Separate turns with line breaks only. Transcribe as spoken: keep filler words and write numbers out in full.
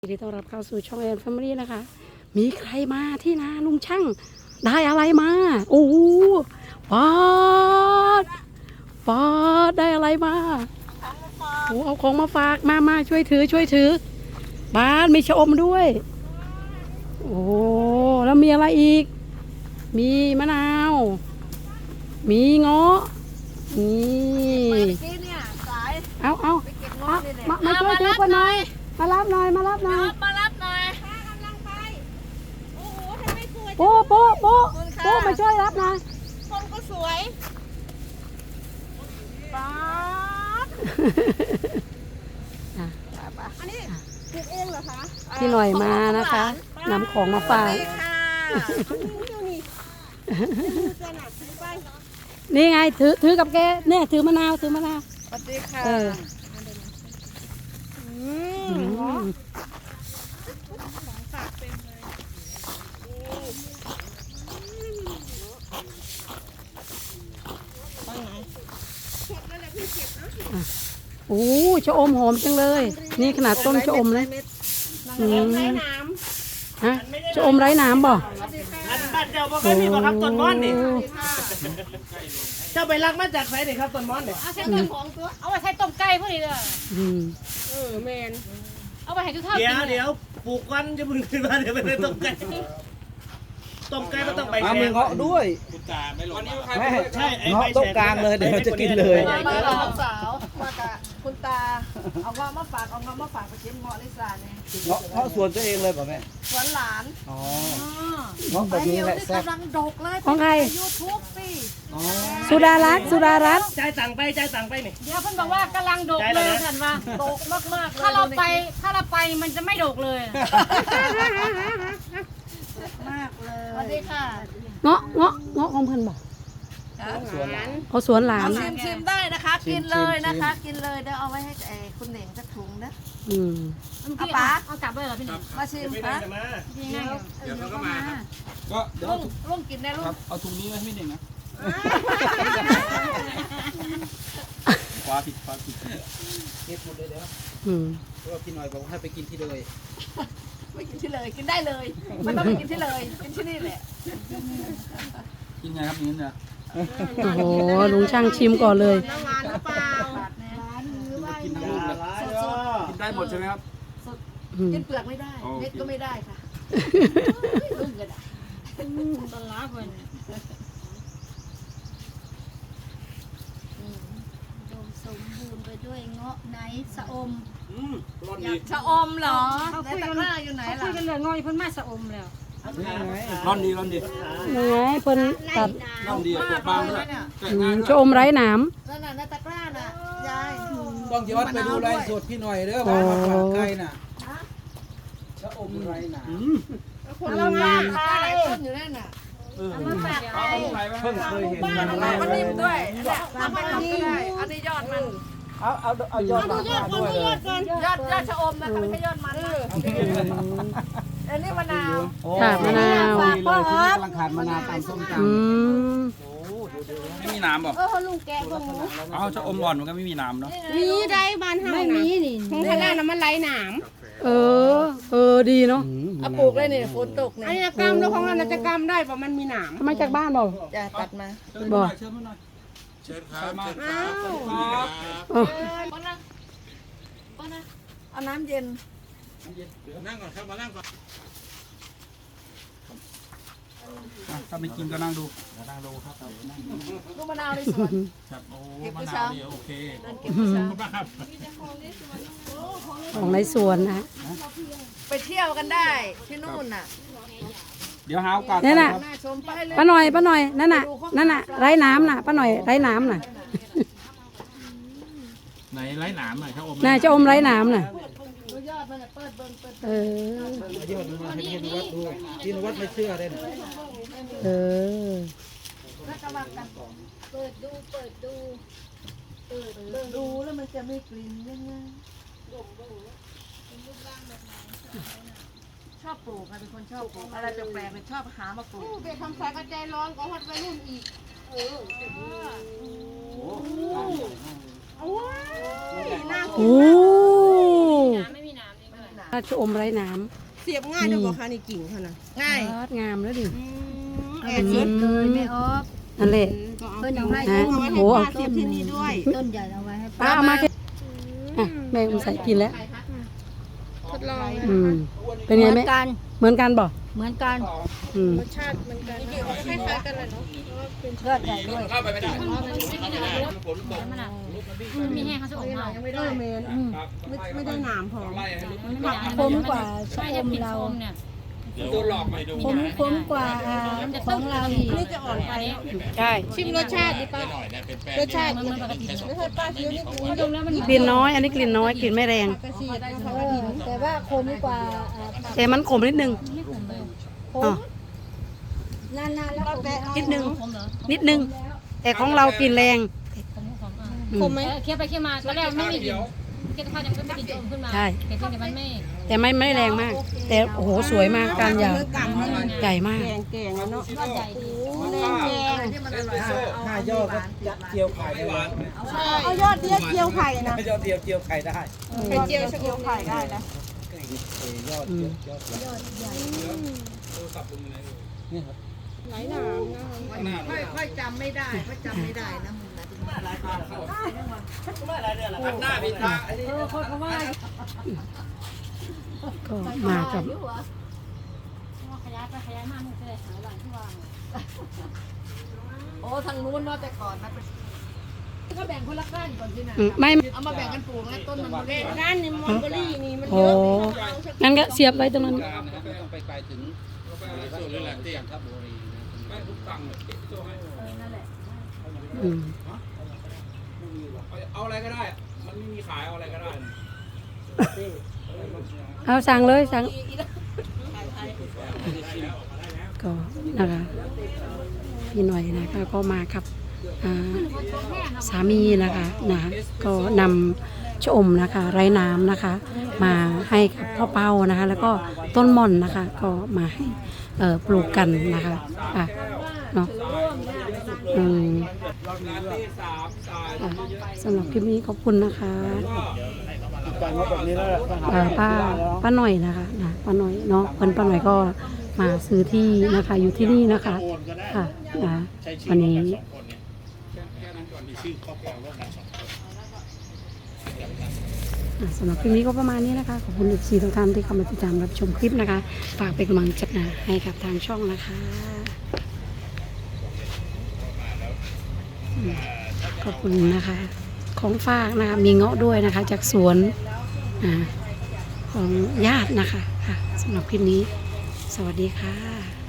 ยินดีต้อนรับเข้าสู่ช่องแอนแฟมิลี่นะคะมีใครมาที่นาลุงช่างได้อะไรมาโอ้ปอดปอดได้อะไรมาโอ้เอาของมาฝากมามาช่วยถือช่วยถือบ้านมีชะอมด้วยโอ้แล้วมีอะไรอีกมีมะนาวมีเงาะนี่เอาเอาเอามามาช่วยถือกันหน่อยมารับหน่อยมารับหน่อย
มารับหน่อย
โอ้โหทำไมสวย
โป๊ะโป๊ะโป๊ะโป๊ะมาช่วยรับหน่อย
คนก็สวยป๊าดอันนี้ปลูกเองเหรอคะ
พี่หน่อยมานะคะนำของมาฝาก
ค่ะนี่เสื้อหนักซื้อไป
นี่ไงถือถือกับแกเนี่ยถือมะนาวถือมะนาว
สวัสดีค่ะ
เออ
อื
อื
ม
ม โอ้ชะอมหอมจังเลย นี่ขนาดต้นชะอมเลยอืม
ใช้น้
ฮะชะอมไร้น้ำบ่
อันบ้านเจ้าบ่เคยมีบ่ครับต้นมอนนี่ เจ้าไปรักมาจากไหนนี่ครับต้นมอนนี่
ำเอาใช้ต้นของตัว
เอาไปใช้ต้มไก่พวกนี้เลย
อืม
เออแมน
เอาไปให้ทุกท่าน
เดี๋ยว
กิน
เดี๋ยวปลูกวันจะมึงขึ้นมาเดี๋ยวไปเลยต้มไก่ต้มไก่มันต้องใบ
มา
แฉ
มือก เงาะด้วยแม่
ใช่ไอ้
เงาะ
ใบ
ต้
แฉ
ม
ก
กลางเลยเดี๋ยวเราจะกินเลย
มากับลูกสาวมากับคุณตาเอาเงาะมาฝากเอาเงาะมาฝากไปชิมเงาะลิซ่าเนี่ย
เงาะเงาะสวนตัวเองเลยป่ะแม่
สวนหลาน
อ๋อเงาะแบบนี้แหละแซ่บ
กำลังดกเลย
ของใคร
ยูทูบสิ
อ๋อ
สุดารัตน์สุดารัตน์
จ่ายตังค์ไปจ่ายตังค์ไปนี่
เดี๋ยวเพิ่นบอกว่ากำลังดกเลยท่านว่า
ดกมากๆเลย
ถ้าเราไปถ้าเราไปมันจะไม่ดกเลย
มากเลย
สวัสดีค่ะ
เงาะเงาะเงาะของเพิ่นบ่
สวนหลาน
เอาสวนหลาน
ชิมชิมได้นะคะ กินเลยนะคะ กินเลยเดี๋ยวเอาไว้ให้ไอ้คุณเหน่งสักถุงนะ
อืม
เอาปะเอากลับเลยเหรอพี่หนึ่ง
มาชิม
ไม่ได้
นะ
จะมา
พี่นั่งอยู่
เดี๋ยวเขาก็มาครับก็เดี๋ยว
ลุงลุงกินได้ลุง
ครับเอาถุงนี้ไว้ให้หนึ่งนะคว้าผิดคว้าผิดเก็บหมดเลยเดี๋ยว
อืม
เพราะว่าพี่หน่อยบอกให้ไปกินที่เลย
ไม่กินที่เลยกินได้เลยไม่ต้องไปกินที่เลยกินที่นี่แหละ
กินไงครับอย่างนี้เนี่ย
โอ้โหลุงช่างชิมก่อนเลย
น้ำงานหรือเปล่า
กินทั้งลูกเลยกินได้หมดใช่ไหมครับ
อืม
กินเปลือกไม่ได้เม็ดก็ไม่ได้ค่ะลุงก็ได้
ตอนล้าเพิ่น
อุดมสมบูรณ์ไปด้วยเงาะไนท์สะอม
อืมร้อน
อ
ดี
ยากชะอมเหรอ
เขา
ใน
คุย
ตะ
กัน
กร้าอยู่ไหน
เขาคุ
ล่ะ
ยกันเรื่องงอยเพิ่นมาสะอมแล้ว
ร้อนดีร้อนดี
ยังไงเพิ่นตัด
ร้อนดีตัวบางด้วย
อืมชะอมไร้น้
นั่นน่ะในตะกร้าน่ะยาย
ต้องย้อนไปดูไลฟ์สดพี่หน่อยเด้อว่ามาฝากใครน่ะชะอมไรหนา
คนละงานค่ะหลายต้นอยู่นั่นน่ะ
เอามาฝากใคร
เพิ่งเคยเห็น
บ้านอะไรมันนิ่มด้วยเนี่ยทำไปทำก็ได้อันนี้ยอดมัน
เอาเอาเอายอดมาด้วยเลย
ยอดยอดชะอมนะคะไม่ใช่ยอดมันนะ
ำ
อันนี้มะนาว
ค่ะมะนาว
ดีเลยที่กำลังขาดมะนาวตามส้มต
อืม
ไม่มีน้ำบอก
เออลุงแกะพวกนี้
เอาชะอมอ่อนมันก็ไม่มีน้ำเนาะ
มีได้บ้านเฮา
ไม่มีนี่
ของข้างล่างน่ะมันไหลหนาม
เออ เออดีเนาะ
ำ
เอาปลูกเลยเนี่ยฝนตกเนี่ยอันนี้กำแล้วของเราจะกำได้เพราะมันมีหนาม
ทำไมจากบ้านบ่
จะตัดมา
บ่
เชิญมาหน่อย
เชิญครับ
อ้าว
เออ
เอาน้ำเย็น
นั่งก่อนครับมานั่งก่อน
อ่ะถ้าไม่กินก็นั่งดู
นั่งดูครับ
ลูกมะนาวในสวน
ครับโอ้
เก็บ
มะ
ผู้
นา
เช้า
วนี่โอเค
นั่นเก็บผู้เช้า
ครับ
ของในสวนนะ
ไปเที่ยวกันได้ที่นู่นน่ะ
เดี๋ยวหาโอกาส
นี่น่ะ
น่าชมไปเลย
ป้าหน่อยป้าหน่อยนั่นน่ะนั่นน่ะไร้น้ำน่ะป้าหน่อยไร้น้ำน่ะ
ไหนไร้หนามหน่อยครับอม
น่าจะอมไร้น้ำน่ะ
ดูยอดมันน่ะเปิดเบิ่งเปิด
เออ
ยอดมาให้พี่นวัดดูพี่นวัดไม่เชื่อเลยนะ
เออ
แล้วก็ว่ากัน
เปิดดู เปิดดู เปิด
เบิ่งดูแล้วมันจะมีกลิ่นยังไงชอบปลูกค่ะเป็นคนชอบปลูกอะไรแปลกๆเป็นชอบหามาปลูก
ไปทำสายกระจายร้อนก็ฮอดวัยรุ่นอีก
โอ้ยน่า
โอ้
ไม่มีน้ำนี่เท่าไหร่
หนา
ราชอมไร้น้
เสียบง่ายด้วยบ่คะนี่กิ่งเขานะ
ำ
ง่าย
ยอดงามแล้วดิ
แอ
เอา
น
เสียบเลยไม่ออก
นั่นแหละ
เพิ่นเอาให้
ฮะ
เอาไว้ให้
โอ้
ป้าเสียบที่นี่ด้วย
ต้นใหญ่เอาไว้ให้
ป้าเอามาแค่อ่ะแม่อุ้มใส่กินแล้ว
ทดลอง
อืมเป็นไง
เห
แม่
มือนกัน
เหมือนกันบ่
เหมือนกัน
อืม
รสชาติเหมือนกันจริงๆก็คล้ายๆกันเลยเนาะ
ยอดใหญ่ด้วย
เข้าไปไม่ได้
มันอ่ะมันมีแห้งเขาจะอมเอา
ยังไม่ได้เมนไม่ไม่ได้หนามพอ
คมกว่าชะอมเรา
เนี่ย
โดนหลอกไปดู
คมคมกว่าอ่าของเราอีก
นี่จะอ่อนไป
ใช่
ชิมรสชาติดิป้า
หน่อยนะเป็นแป้ง
รสชาติ
มันมันปกติ
ไม่ใช่ป้าคิ้วนี่
เขาดมแล้วมัน
กลิ่นน้อย อันนี้กลิ่นน้อยกลิ่นไม่แรง
กระชีดนะคะ
เออแต่ว่าคมกว่าอ่า
แต่มันขมนิดนึง
ไม่ขมเลย
ค
อ๋อ
มนานๆแล้วก็
นิดนึง
ขมเหรอ
นิดนึง แต่ของเรากลิ่นแรง
ขมขมอ่ะ
อืม
คมไหม
เคี้ยวไปเคี้ยวมาตอนแรกไม่มีกลิ่นเคี้ยวข้าวยังไม่มีกลิ่นจะอมขึ้นมา
ใช่
แต่ที่เนี่ยมันไม่
แต่ไม่ไม่แรงมาก แต่โอ้โหสวยมากการยาวใหญ่มาก
แกงแกงแล้วเนาะ
ยอดใหญ่ดี
แกงแกงที่มันอร่อย
ห้ายอดก็ยัดเจียวไข่ได้หวาน
เอายอดเดียวเจียวไข่นะ
ยอดเจียวเจียวไข่ได้
ไข่เจียวชะเจียวไข่ได้นะ
ยอด
อืม
ยอดยอดนี่ครับ
ไหลหนามนะ
ค่อยค่อยจำไม่ได้ค่อยจำไม่ได้นะมึงนะ
หน้าพี่ตา
เออคนเขาว่า
ก็มากับ
ขยายไปขยายมามันจะได้หาหลังที่วาง
โอ้ทางนู้นเนาะแต่ก่อนนะก็แบ่งคนละก้านก่อนสินะ
อืมไม่
เอามาแบ่งกันปลูกแล้วต้นมันเล็กก้านนี่มอนเบอรี่นี่มันเย
โอ้
อะ
งั้นก็เสียบไว้ตรงนั้น
ไม่ต้องไปไกลถึงจันทบุรีนะ
อืม
เอาอะไรก็ได้ มันไม่มีขายเอาอะไรก็ได้
เอาสั่งเลยสั่งก็นะคะพี่หน่อยนะคะก็มากับอ่าสามีนะคะนะก็นำชะอมนะคะไร้น้ำนะคะ มาให้กับพ่อเป้านะคะ แล้วก็ต้นม่อนนะคะ ก็มาให้เอ่อปลูกกันนะคะอ่ะเนาะอืมอ่ะสำหรับคลิปนี้ขอบคุณนะคะ
การว่าแบบนี้แล้ว
เอ่อป้าป้าหน่อยนะคะนะป้าหน่อยเนาะเพิ่นป้าหน่อยก็มาซื้อที่นะคะอยู่ที่นี่นะคะค่ะนะวันนี้
แค่นั้นก่อนมีชื่อครอบครองร่วมกันสองคน
อ่ะสำหรับคลิปนี้ก็ประมาณนี้นะคะขอบคุณอีกสี่ทุกท่านที่เข้ามาติดตามรับชมคลิปนะคะ ฝากเป็นกำลังใจให้กับทางช่องนะคะอืมขอบคุณนะคะของฝากนะคะมีเงาะด้วยนะคะ จากสวนอ่าของญาตินะคะค่ะสำหรับคลิปนี้ สวัสดีค่ะ